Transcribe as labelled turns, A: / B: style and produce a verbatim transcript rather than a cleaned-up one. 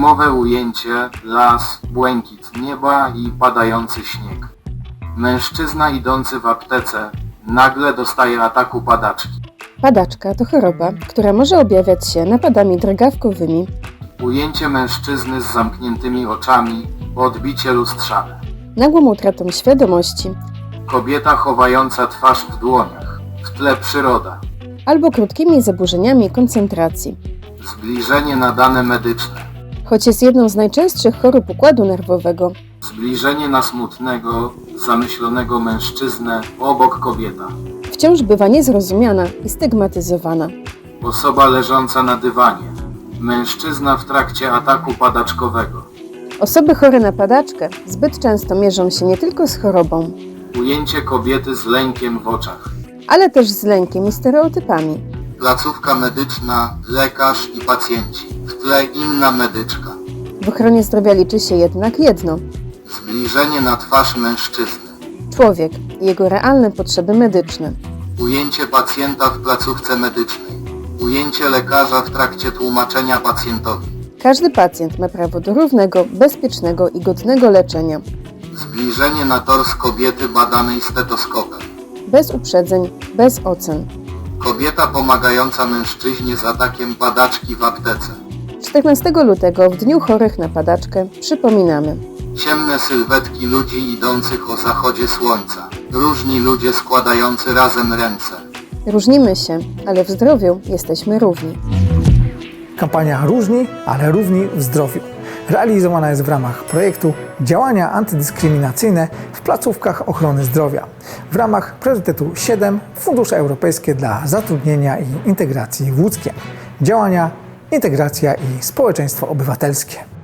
A: Filmowe ujęcie, las, błękit nieba i padający śnieg. Mężczyzna idący w aptece nagle dostaje ataku padaczki.
B: Padaczka to choroba, która może objawiać się napadami drgawkowymi.
A: Ujęcie mężczyzny z zamkniętymi oczami, odbicie lustrzane.
B: Nagłą utratą świadomości
A: Kobieta chowająca twarz w dłoniach, w tle przyroda.
B: albo krótkimi zaburzeniami koncentracji.
A: Zbliżenie na dane medyczne.
B: Choć jest jedną z najczęstszych chorób układu nerwowego,
A: Zbliżenie na smutnego, zamyślonego mężczyznę obok kobieta.
B: wciąż bywa niezrozumiana i stygmatyzowana.
A: Osoba leżąca na dywanie. Mężczyzna w trakcie ataku padaczkowego.
B: Osoby chore na padaczkę zbyt często mierzą się nie tylko z chorobą,
A: Ujęcie kobiety z lękiem w oczach.
B: ale też z lękiem i stereotypami.
A: Placówka medyczna, lekarz i pacjenci. W tle inna medyczka.
B: W ochronie zdrowia liczy się jednak jedno:
A: Zbliżenie na twarz mężczyzny.
B: człowiek i jego realne potrzeby medyczne.
A: Ujęcie pacjenta w placówce medycznej. Ujęcie lekarza w trakcie tłumaczenia pacjentowi.
B: Każdy pacjent ma prawo do równego, bezpiecznego i godnego leczenia.
A: Zbliżenie na tors kobiety badanej stetoskopem.
B: Bez uprzedzeń, bez ocen.
A: Kobieta pomagająca mężczyźnie z atakiem padaczki w aptece.
B: czternastego lutego, w Dniu Chorych na Padaczkę, przypominamy:
A: Ciemne sylwetki ludzi idących o zachodzie słońca. Różni ludzie składający razem ręce.
B: różnimy się, ale w zdrowiu jesteśmy równi.
C: Kampania Różni, ale równi w zdrowiu realizowana jest w ramach projektu Działania antydyskryminacyjne w placówkach ochrony zdrowia w ramach priorytetu siedem Fundusze Europejskie dla Zatrudnienia i Integracji w Łódzkiem. Działania, integracja i społeczeństwo obywatelskie.